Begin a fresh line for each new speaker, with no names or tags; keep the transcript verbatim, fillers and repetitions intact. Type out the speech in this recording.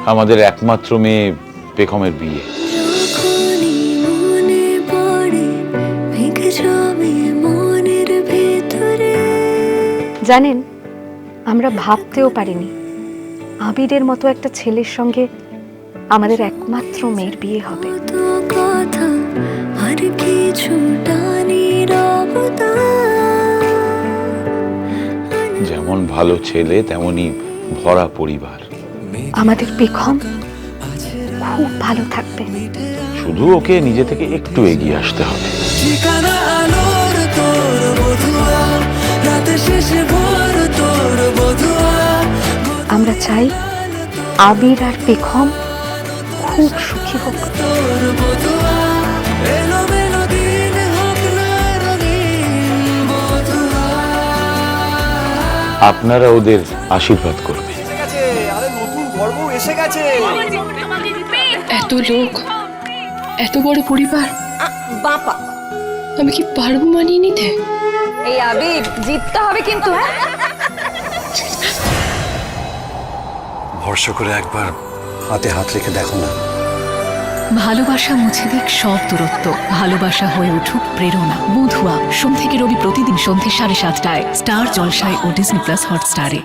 আমাদের একমাত্র মেয়ে পেখমের বিয়ে।
জানেন, আমরা ভাবতেও পারিনি আবিরের মতো একটা ছেলের সঙ্গে আমাদের একমাত্র মেয়ের বিয়ে হবে।
যেমন ভালো ছেলে তেমনই ভরা পরিবার।
আমাদের পেখম খুব ভালো থাকবে।
শুধু ওকে নিজে থেকে একটু এগিয়ে আসতে হবে।
আমরা চাই আবির আর পেখম খুব সুখী হোক।
আপনারা ওদের আশীর্বাদ করবেন।
এত লোক, এত বড় পরিবার,
বাপা
আমি কি পারবো মানিয়ে নিতে?
এই আবির জিততে হবে কিন্তু। হ্যাঁ,
ভরসা করে একবার হাতে হাত রেখে দেখো না।
ভালোবাসা মুছে দিক সব দূরত্ব, ভালোবাসা হয়ে উঠুক প্রেরণা। বধুয়া সোম থেকে রবি প্রতিদিন সন্ধ্যে সাড়ে সাতটায় স্টার জলসায় ও ডিজনি প্লাস হটস্টারে।